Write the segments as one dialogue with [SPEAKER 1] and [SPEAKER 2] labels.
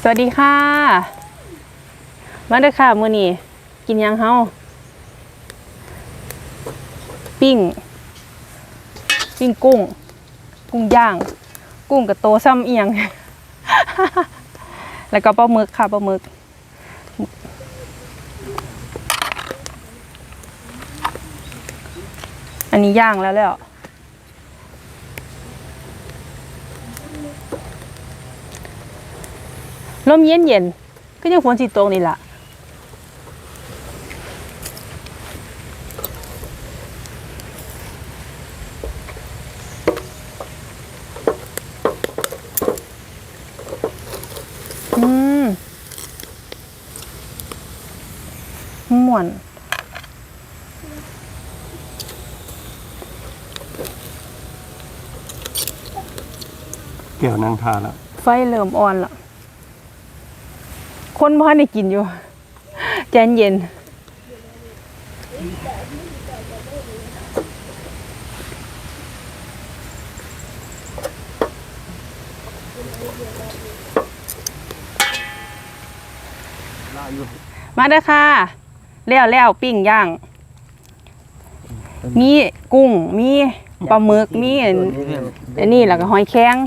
[SPEAKER 1] สวัสดีค่ะมาเด้อค่ะมื้อนี้กินยังเฮาปิ้งกุ้งย่างกุ้งกับโตซ้ำเอียง แล้วก็ปลาหมึกค่ะปลาหมึกอันนี้ย่างแล้วลมเย็นก็ยังฝนสิตกนี่ล่ะม่วน
[SPEAKER 2] แก้วนางทาแล้ว
[SPEAKER 1] ไฟเริ่มอ่อนละคนบ้านได้กินอยู่ใจเย็นมาเด้อค่ะแล้วปิ้งย่างมีกุ้งมีปลาหมึกมีอันนี้แล้วก็หอยแครง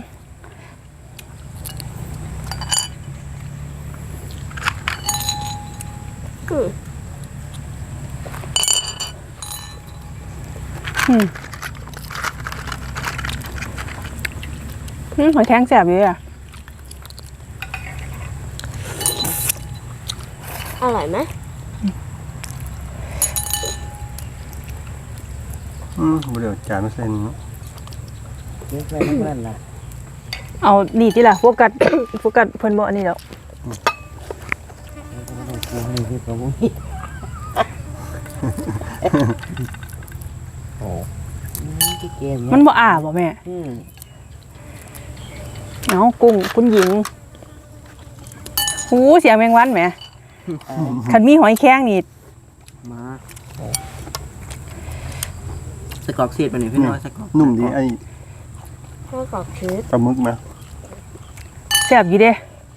[SPEAKER 1] หอยแครงแซ่บอยู่อ่ะ
[SPEAKER 3] อร่อยไหม
[SPEAKER 2] เดี๋ยวจานไม่เส้น
[SPEAKER 4] เลี้ยงไปเพื่อนล่ะ
[SPEAKER 1] เอานี่ที่ล่ะโฟกัสเพิ่นบ่อันนี้แล้ว
[SPEAKER 4] นี่คือของมึงโอ้ที่เกม
[SPEAKER 1] มันบ่อ้าบ่แม่เอากุ้งคุณหญิงหูเสียงแมงวันแหมคันมีหอยแครงนี่
[SPEAKER 4] มาสกอกเสียดไปหน่อยพี่น้อยสกอก
[SPEAKER 2] นุ่มดีไอ้
[SPEAKER 3] ข้าวกรอบชีส
[SPEAKER 2] ปลาหมึกไหม
[SPEAKER 1] แซ่บอยู่เด้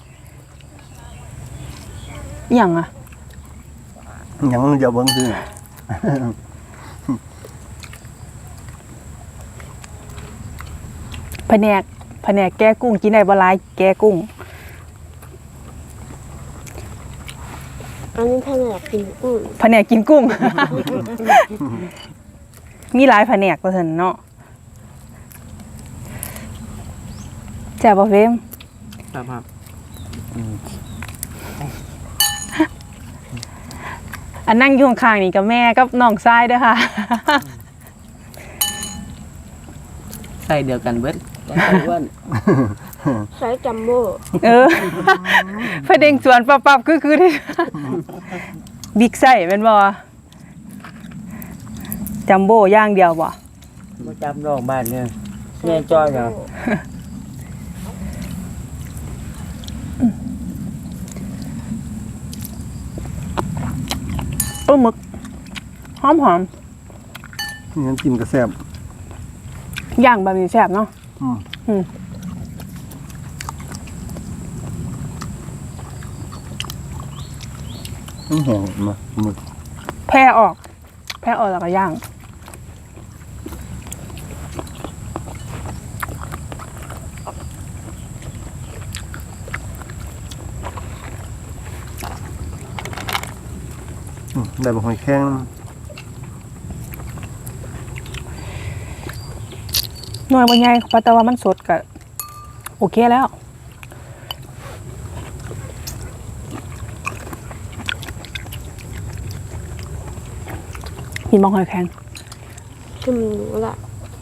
[SPEAKER 1] หยังอ่ะ
[SPEAKER 2] ยังเดี๋ยวเบิ่งซื้อ
[SPEAKER 1] แผนกแก้กุ้งกินได้บ่หลายแก้กุ้ง
[SPEAKER 3] อันนี้ถ้าอยากกินกุ้ง
[SPEAKER 1] แผนกกินกุ้ง มีหลายแผนกว่าซั่นเนาะแซ่บบ่เฟม
[SPEAKER 4] ครับ
[SPEAKER 1] อันนั่งอยู่ข้างๆนี่กับแม่กับน้องชายเด้อค่ะ
[SPEAKER 4] ใส่เดียวกันเบิดอ้วน
[SPEAKER 3] ไซส์จัมโบ้
[SPEAKER 1] พะเด้งสวนปับๆคือที่บิ๊กไซส์แม่นบ่จัมโบ้ย่างเดียวบ่
[SPEAKER 4] มาจำดอกบ้านเนี่ยแม่จอยเหรอ
[SPEAKER 1] ปลาหมึกหอม
[SPEAKER 2] งั้นกินกระแซ่บ
[SPEAKER 1] ย่างแบบนี้แซ่บเนาะ
[SPEAKER 2] แห้งมาหมึก
[SPEAKER 1] แผ่ออกแล้วก็ย่าง
[SPEAKER 2] ได้บ่หอยแครง
[SPEAKER 1] หน่วยบ่ใหญ่แต่ว่ามันสดก็โอเคแล้วกินบ่หอยแครง
[SPEAKER 3] ชิมดูละ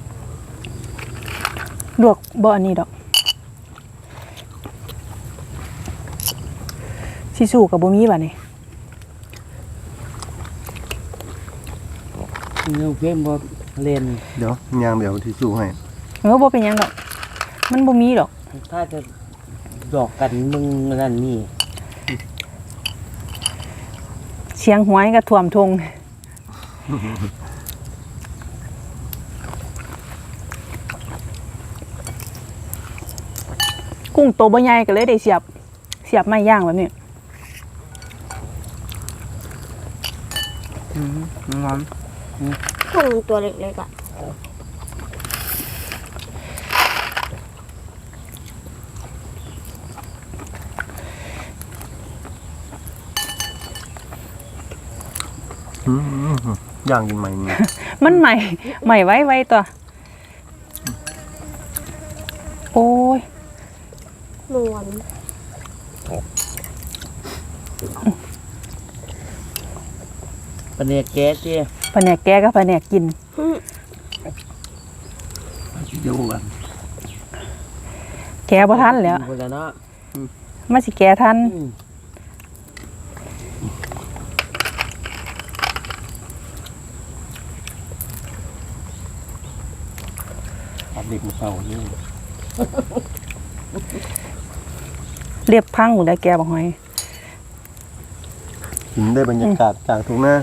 [SPEAKER 1] ลวกบ่อันนี้ดอกสิสู้กับบ่มีบัดนี้
[SPEAKER 4] เนื้อเพิ่มบ่เล่น
[SPEAKER 2] เดี๋ยวย่างเดี๋ยวที่สู้ให้
[SPEAKER 1] บ่เป็นหยังดอกมันบ่มีดอก
[SPEAKER 4] ถ้าจะดอกกันมึงนั่นนี่
[SPEAKER 1] เชียงหวยก็ท่วมทงกุ้งโตบ่ใหญ่ก็เลยได้เสียบเสียบไม้ย่างแบบนี้
[SPEAKER 4] งอน
[SPEAKER 3] กุ้งตัวเล็กๆอ่ะ
[SPEAKER 2] อืมย่างกินใหม่นี่
[SPEAKER 1] มันใหม่ใหม่ไว้ตัวโอ้ย
[SPEAKER 3] นวล
[SPEAKER 4] ปลาเนียแก๊สที่
[SPEAKER 1] แผนกแกก็แผนกกิน
[SPEAKER 4] เดี๋ยวกัน
[SPEAKER 1] แกบ่ทันแล้ว
[SPEAKER 4] คนละเนาะ
[SPEAKER 1] มาสิแกทัน
[SPEAKER 4] ตัดเด็กมาเป่านี่
[SPEAKER 1] เรียบพังหมดแล้วแกบอกหอย
[SPEAKER 2] กินได้บรรยากาศจากทุ่งนา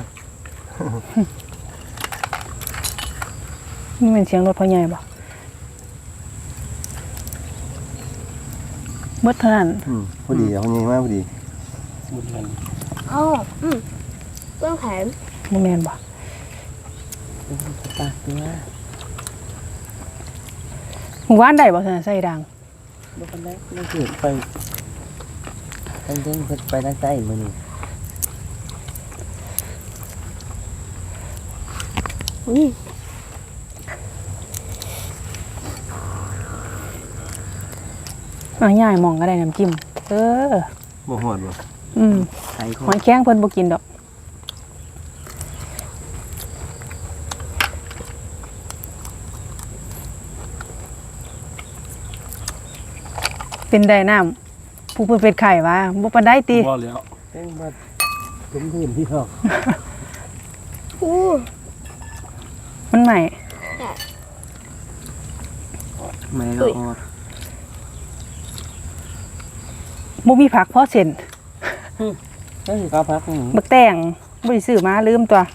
[SPEAKER 1] นี่เป็นเสียงรถพ่อใหญ่บ่มืดเท่านั้น
[SPEAKER 2] พอดีเอาไงมากพอดี
[SPEAKER 4] บุญมัน
[SPEAKER 3] อ๋อเครื่องแข็ง
[SPEAKER 1] บ่แม่นบ่
[SPEAKER 4] ปากตัว
[SPEAKER 1] หมู่บ้านใดบ่ซั่นใส่ดัง
[SPEAKER 4] บุญมันได้ไม่เกิดไปตั้งเรื่องไปทางใต้มือนี่
[SPEAKER 3] อุ้ย
[SPEAKER 1] เอาย่ายหมองก็ได้น้ำจิ้มอ
[SPEAKER 2] บ่หอดบ่
[SPEAKER 4] ไข่ข
[SPEAKER 1] หอยแข้งเพิ่นบ่กินดอกเป็นได้น้ำผู้เพิ่นเป็นไข่ว่าบ่ปานใดติ
[SPEAKER 2] บ่แล้ว
[SPEAKER 4] เป็นมาถึงพื้นที่หรอก
[SPEAKER 3] อู้
[SPEAKER 1] มันใหม่
[SPEAKER 4] ไม่ละออด
[SPEAKER 1] บ่มีผักพอเส้น
[SPEAKER 4] ก็คือข้าวพักนี่
[SPEAKER 1] บักแตงบ่ได้ซื้อมาลืมตัว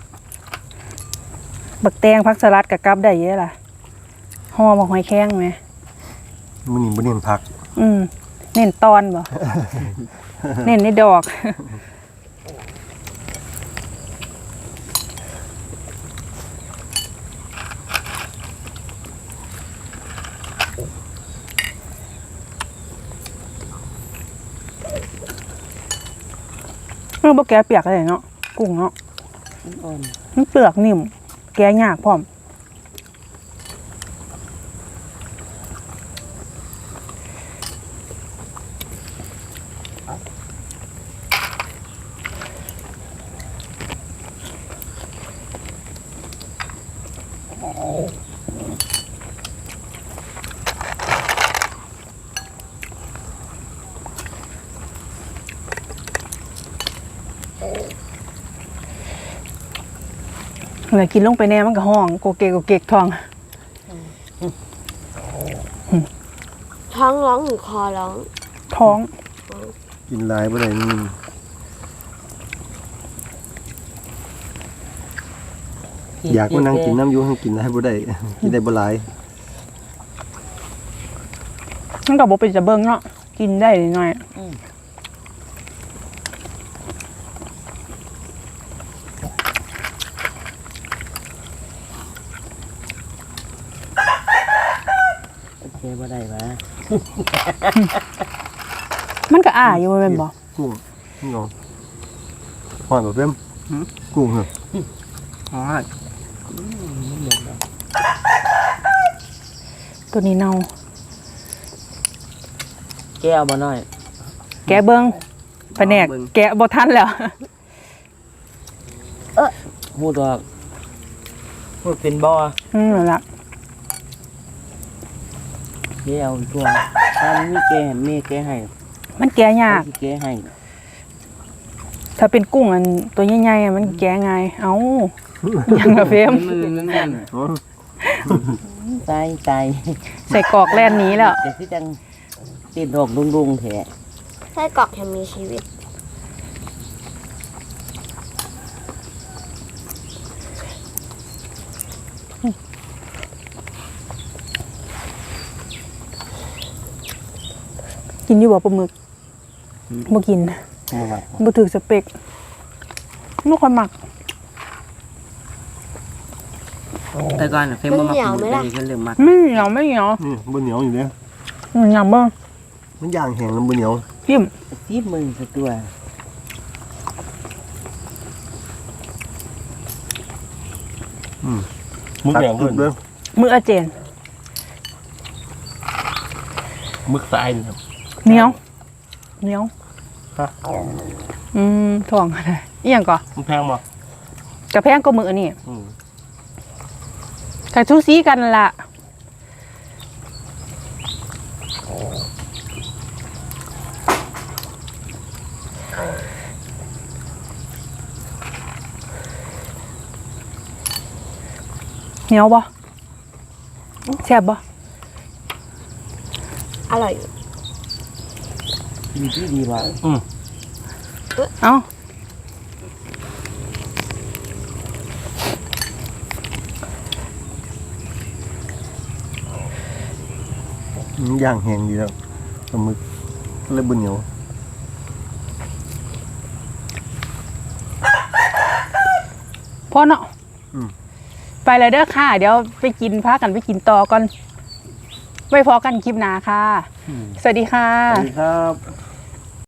[SPEAKER 1] บักแตงผักสลัดกับกับได้เยอะล่ะห่อบักหอยแข้งไหม
[SPEAKER 2] มื้อนี้บ่เน้นผัก
[SPEAKER 1] เน้นตอนบ่ เน้นในดอก บ่แกะเปียกเลยเนาะกุ้งเนาะ
[SPEAKER 4] อ่อน
[SPEAKER 1] มันเปลือกนิ่มแกะยากพร้อมเวลากินลงไปแน่มันก็ห้องโกเกกโกเกกท้อง
[SPEAKER 3] ท้องร้องหรือคอร้อง
[SPEAKER 1] ท้อง
[SPEAKER 2] กินหลายบ่ได้นี่อยากมานั่งกินน้ำอยู่ให้กินหลายบ่ได้ กินได้บ่หลาย
[SPEAKER 1] มันก็บ่เป็นจะเบิ่งเนาะกินได้หน่อย
[SPEAKER 4] โอเคบ่ได้มา
[SPEAKER 1] มันก็อ้าอยู่แม่นบ่
[SPEAKER 2] กุ้งนี่งหอดบ่เพิ่มกุ้งเหรอ
[SPEAKER 4] อ๋อ
[SPEAKER 1] ตัวนี้เน่า
[SPEAKER 4] แก้วบ่น้อย
[SPEAKER 1] แกะเบิ่งแผนกแกะบ่ทันแล้ว
[SPEAKER 4] พูดว่าพูดเป็นบ่อ
[SPEAKER 1] นั่นล่ะ
[SPEAKER 4] แก้วตัวถ้ามีแก้มีแก้ให้
[SPEAKER 1] มันแกะยาก
[SPEAKER 4] ที่แก้ให้
[SPEAKER 1] ถ้าเป็นกุ้งอันตัวใหญ่ๆอะมันแกะง่ายเอ้ายังกะเฟม
[SPEAKER 4] มือนั่นนั่น
[SPEAKER 2] อ๋อ
[SPEAKER 4] ใจใจ
[SPEAKER 1] ใส่กรอกแล่นหนี้แล้ว
[SPEAKER 4] แต่ที่จังติดดอกดุงๆแท้
[SPEAKER 3] ไส้กรอกยังมีชีวิต
[SPEAKER 1] กินอยู่บ่ปลาหมึกบ่กิน
[SPEAKER 2] บ่มัก
[SPEAKER 1] บ่ถือสเปกบ่ค่อยมัก
[SPEAKER 4] แต่ก่อนน่ะเฟมบ่มากินแต่นี่ก็เริ่มมัก
[SPEAKER 1] ไม่เหนียวไม่เหนียว
[SPEAKER 2] นี่บ่เหนียวอยู่เด้
[SPEAKER 1] เหนียวบ่
[SPEAKER 2] มันย่างแห้งแล้วบ่เหนียว
[SPEAKER 1] จิ้ม
[SPEAKER 4] ซีบมือสักตัว
[SPEAKER 2] มึกแดงขึ้นเด้อ
[SPEAKER 1] มืออาเจน
[SPEAKER 2] มึกทรายนี่ครับ
[SPEAKER 1] เหนียวเหนียว
[SPEAKER 2] ฮะ
[SPEAKER 1] ถ่วงอะไรอีหยังก่อ
[SPEAKER 2] มันแพงบ่
[SPEAKER 1] กระแพงก็มืออันนี้
[SPEAKER 2] อืม
[SPEAKER 1] กับทุซีกันล่ะเหนียวบ่แซ่บบ่
[SPEAKER 3] อร่อย
[SPEAKER 4] ดีที่ดีว่ะ
[SPEAKER 1] เอ้า
[SPEAKER 2] มันย่างแห้งดีแล้วปลาหมึกเลยบ่เหนียว
[SPEAKER 1] พ่อเนาะไปเลยเด้อค่ะ เดี๋ยวไปกินพากันไปกินต่อก่อนไว้พอกันคลิปหน้าค่ะ สวัสดีค่ะ
[SPEAKER 2] สวัสดีครับ